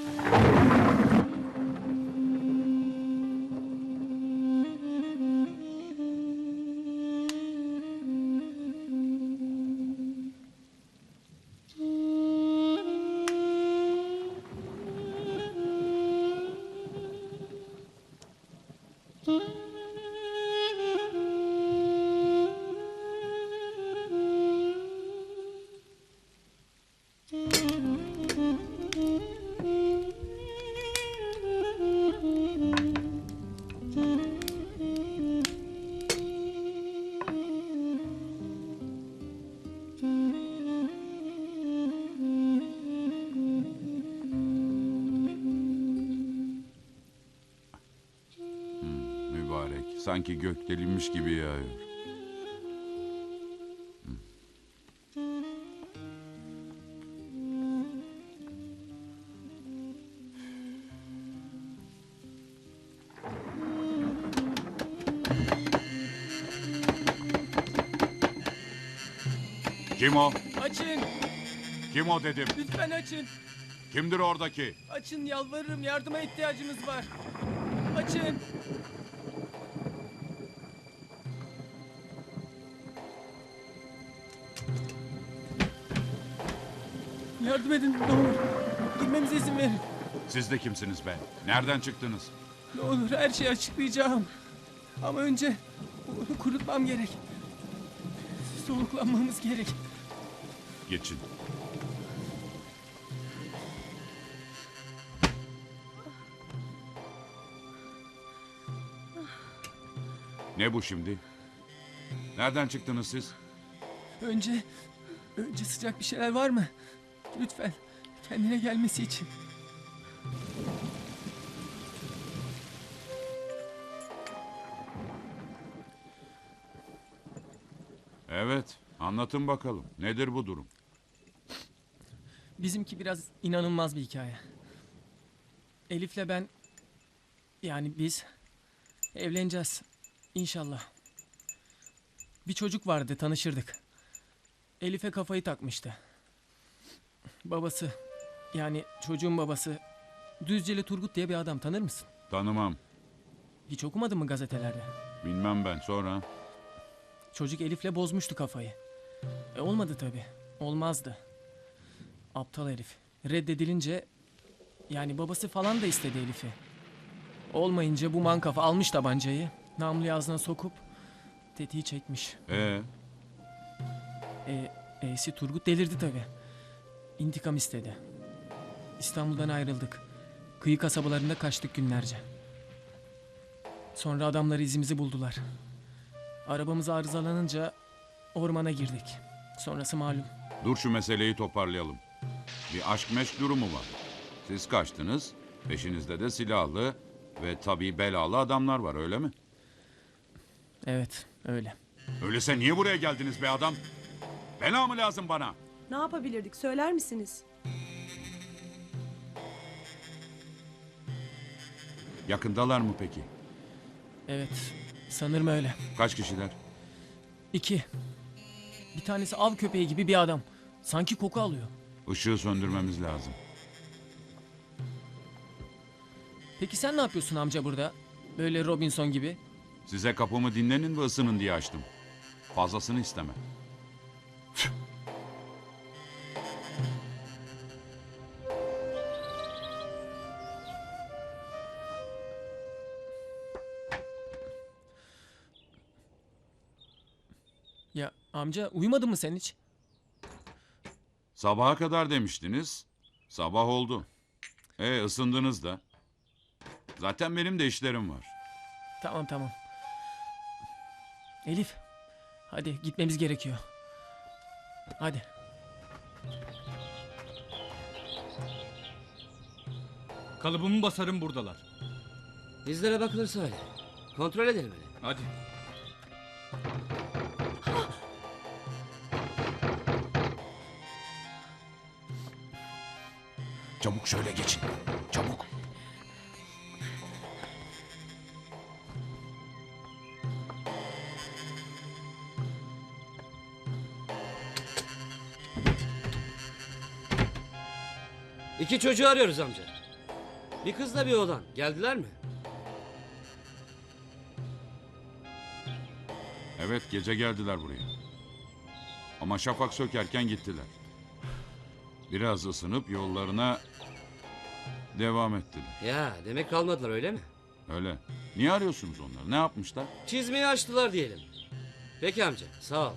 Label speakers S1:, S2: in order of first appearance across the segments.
S1: Mübarek. Sanki gök delinmiş gibi yağıyor. Kim o?
S2: Açın!
S1: Kim o dedim.
S2: Lütfen açın!
S1: Kimdir oradaki?
S2: Açın yalvarırım, yardıma ihtiyacımız var. Açın! Yardım edin ne olur. Girmemize izin verin.
S1: Siz de kimsiniz be? Nereden çıktınız?
S2: Ne olur her şeyi açıklayacağım. Ama önce bunu kurutmam gerek. Soluklanmamız gerek.
S1: Geçin. Ne bu şimdi? Nereden çıktınız siz?
S2: Önce sıcak bir şeyler var mı? Lütfen kendine gelmesi için.
S1: Evet, anlatın bakalım. Nedir bu durum?
S2: Bizimki biraz inanılmaz bir hikaye. Elif'le ben, yani biz evleneceğiz inşallah. Bir çocuk vardı, tanışırdık. Elif'e kafayı takmıştı. Babası, yani çocuğun babası Düzceli Turgut diye bir adam, tanır mısın?
S1: Tanımam.
S2: Hiç okumadın mı gazetelerde?
S1: Bilmem ben. Sonra?
S2: Çocuk Elif'le bozmuştu kafayı. Olmadı tabii. Olmazdı. Aptal herif. Reddedilince, yani babası falan da istedi Elif'i. Olmayınca bu mankafa almış tabancayı, namluyu ağzına sokup tetiği çekmiş. E'si Turgut delirdi tabii. İntikam istedi. İstanbul'dan ayrıldık. Kıyı kasabalarında kaçtık günlerce. Sonra adamları izimizi buldular. Arabamız arızalanınca ormana girdik. Sonrası malum.
S1: Dur şu meseleyi toparlayalım. Bir aşk meşk durumu var. Siz kaçtınız, peşinizde de silahlı ve tabii belalı adamlar var, öyle mi?
S2: Evet, öyle.
S1: Öyleyse niye buraya geldiniz be adam? Bela mı lazım bana?
S3: Ne yapabilirdik söyler misiniz?
S1: Yakındalar mı peki?
S2: Evet, sanırım öyle.
S1: Kaç kişiler?
S2: 2. Bir tanesi av köpeği gibi bir adam. Sanki koku alıyor.
S1: Işığı söndürmemiz lazım.
S2: Peki sen ne yapıyorsun amca burada? Böyle Robinson gibi.
S1: Size kapımı dinlenin ve ısının diye açtım. Fazlasını istemem.
S2: Ya amca uyumadın mı sen hiç?
S1: Sabaha kadar demiştiniz. Sabah oldu. Isındınız da. Zaten benim de işlerim var.
S2: Tamam tamam. Elif. Hadi gitmemiz gerekiyor. Hadi.
S4: Kalıbımı basarım buradalar.
S5: Bizlere bakılırsa öyle. Kontrol edelim hele.
S4: Hadi.
S1: Çabuk şöyle geçin. Çabuk.
S5: İki çocuğu arıyoruz amca. Bir kızla bir oğlan. Geldiler mi?
S1: Evet, gece geldiler buraya. Ama şafak sökerken gittiler. Biraz ısınıp yollarına devam ettiler.
S5: Ya demek kalmadılar öyle mi?
S1: Öyle. Niye arıyorsunuz onları? Ne yapmışlar?
S5: Çizmeyi açtılar diyelim. Peki amca sağ ol.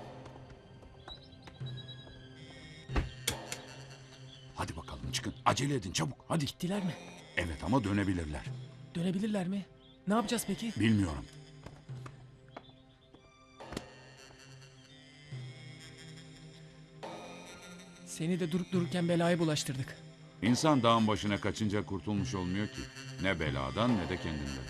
S1: Hadi bakalım çıkın. Acele edin çabuk. Hadi.
S2: Gittiler mi?
S1: Evet ama dönebilirler.
S2: Dönebilirler mi? Ne yapacağız peki?
S1: Bilmiyorum.
S2: Seni de durup dururken belaya bulaştırdık.
S1: İnsan dağın başına kaçınca kurtulmuş olmuyor ki. Ne beladan ne de kendinden.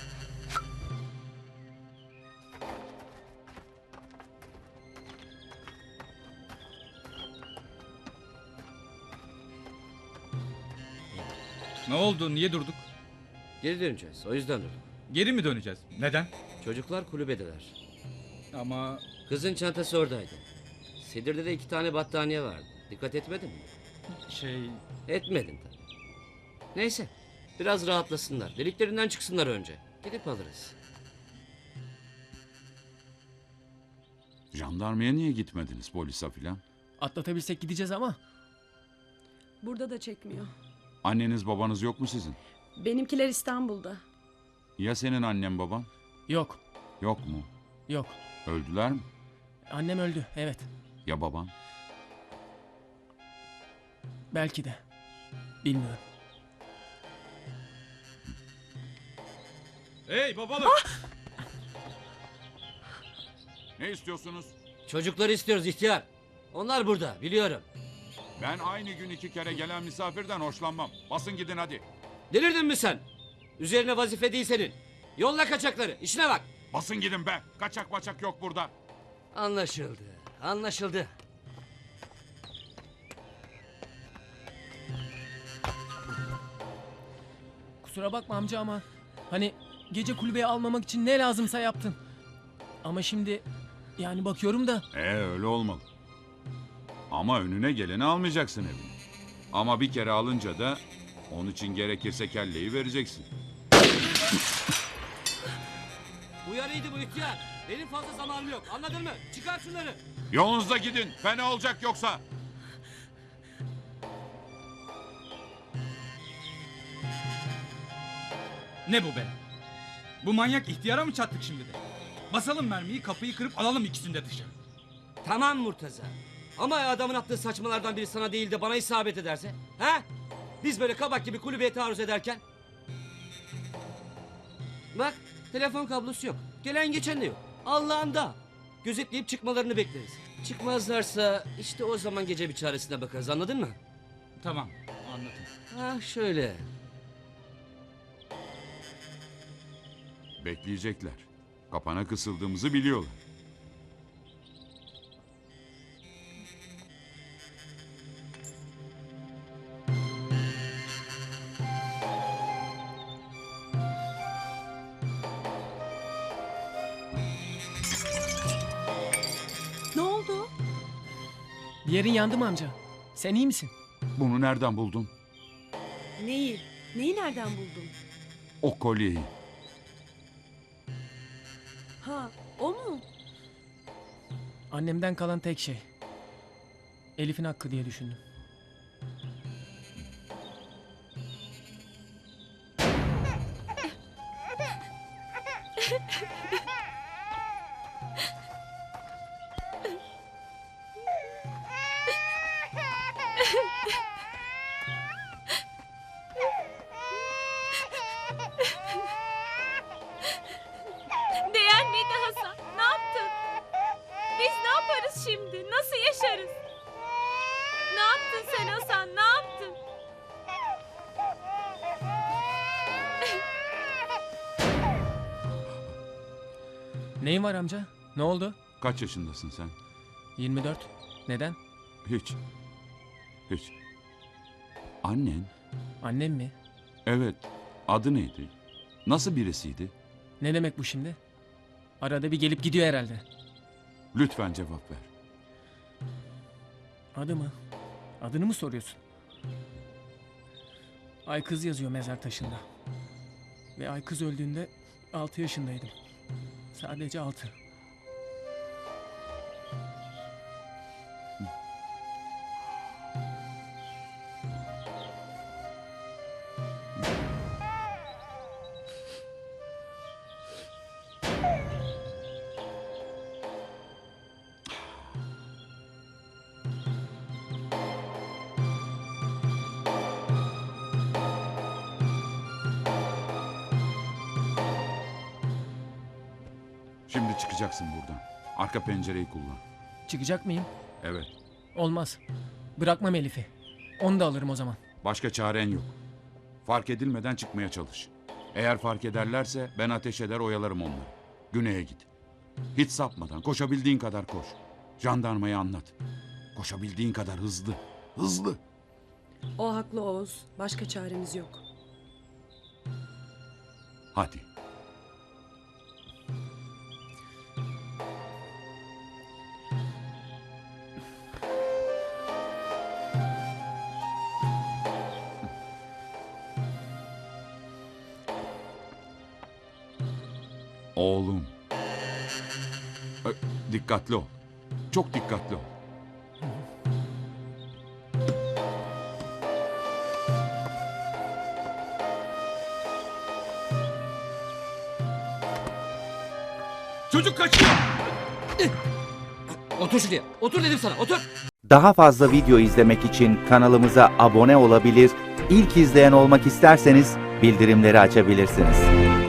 S4: Ne oldu? Niye durduk?
S5: Geri döneceğiz o yüzden durdum.
S4: Geri mi döneceğiz? Neden?
S5: Çocuklar kulübedeler.
S4: Ama
S5: Kızın çantası oradaydı. Sedir'de de 2 tane battaniye vardı. Dikkat etmedin mi?
S4: şey...
S5: Etmedin tabii. Neyse. Biraz rahatlasınlar. Deliklerinden çıksınlar önce. Gidip alırız.
S1: Jandarmaya niye gitmediniz polise filan?
S2: Atlatabilsek gideceğiz ama
S3: Burada da çekmiyor.
S1: Anneniz babanız yok mu sizin?
S3: Benimkiler İstanbul'da.
S1: Ya senin annen baban?
S2: yok.
S1: Yok mu?
S2: Yok.
S1: Öldüler mi?
S2: Annem öldü. Evet.
S1: Ya baban?
S2: Belki de. Bilmiyorum.
S4: Hey babalık!
S1: Ne istiyorsunuz?
S5: Çocukları istiyoruz ihtiyar. Onlar burada biliyorum.
S1: Ben aynı gün 2 kere gelen misafirden hoşlanmam. Basın gidin hadi.
S5: Delirdin mi sen? Üzerine vazife değil senin. Yolla kaçakları. İşine bak.
S1: Basın gidin be. Kaçak maçak yok burada.
S5: Anlaşıldı. Anlaşıldı.
S2: Kusura bakma amca ama hani gece kulübeye almamak için ne lazımsa yaptın. Ama şimdi yani bakıyorum da
S1: Öyle olmalı. Ama önüne geleni almayacaksın evine. Ama bir kere alınca da onun için gerekirse kelleyi vereceksin.
S5: Uyarıydı bu ihtiyar. Benim fazla zamanım yok. Anladın mı? Çıkar şunları.
S1: Yolunuzda gidin. Fena olacak yoksa.
S4: Ne bu be? Bu manyak ihtiyara mı çattık şimdi de? Basalım mermiyi, kapıyı kırıp alalım ikisini de dışarı.
S5: Tamam Murtaza. Ama adamın attığı saçmalardan biri sana değil de bana isabet ederse? Ha? Biz böyle kabak gibi kulübeye taarruz ederken? Bak telefon kablosu yok. Gelen geçen de yok. Allah'ında. Gözetleyip çıkmalarını bekleriz. Çıkmazlarsa işte o zaman gece bir çaresine bakarız anladın mı?
S4: Tamam, anladım.
S5: Ha şöyle.
S1: Bekleyecekler. Kapana kısıldığımızı biliyorlar.
S3: Ne oldu?
S2: bir yerin yandı mı amca? Sen iyi misin?
S1: Bunu nereden buldun?
S3: Neyi? Neyi nereden buldun?
S1: O kolyeyi.
S3: Ha, o mu?
S2: Annemden kalan tek şey. Elif'in hakkı diye düşündüm.
S6: Değer miydi Hasan? Ne yaptın? Biz ne yaparız şimdi? Nasıl yaşarız? Ne yaptın sen Hasan? Ne yaptın?
S2: Neyin var amca? Ne oldu?
S1: Kaç yaşındasın sen?
S2: 24. Neden?
S1: Hiç. Hiç. Annen?
S2: Annem mi?
S1: Evet. Adı neydi? Nasıl birisiydi?
S2: Ne demek bu şimdi? Arada bir gelip gidiyor herhalde.
S1: Lütfen cevap ver.
S2: Adı mı? Adını mı soruyorsun? Aykız yazıyor mezar taşında. Ve Aykız öldüğünde 6 yaşındaydım. Sadece 6.
S1: Şimdi çıkacaksın buradan. Arka pencereyi kullan.
S2: Çıkacak mıyım?
S1: Evet.
S2: Olmaz. Bırakmam Elif'i. Onu da alırım o zaman.
S1: Başka çaren yok. Fark edilmeden çıkmaya çalış. Eğer fark ederlerse ben ateş eder oyalarım onları. Güney'e git. Hiç sapmadan koşabildiğin kadar koş. Jandarmaya anlat. Koşabildiğin kadar hızlı. Hızlı.
S3: O haklı Oğuz. Başka çaremiz yok.
S1: Hadi. Oğlum. Dikkatli ol. Çok dikkatli ol.
S4: Çocuk kaçıyor.
S5: Otur şuraya. Otur dedim sana. Otur.
S7: Daha fazla video izlemek için kanalımıza abone olabilir, ilk izleyen olmak isterseniz bildirimleri açabilirsiniz.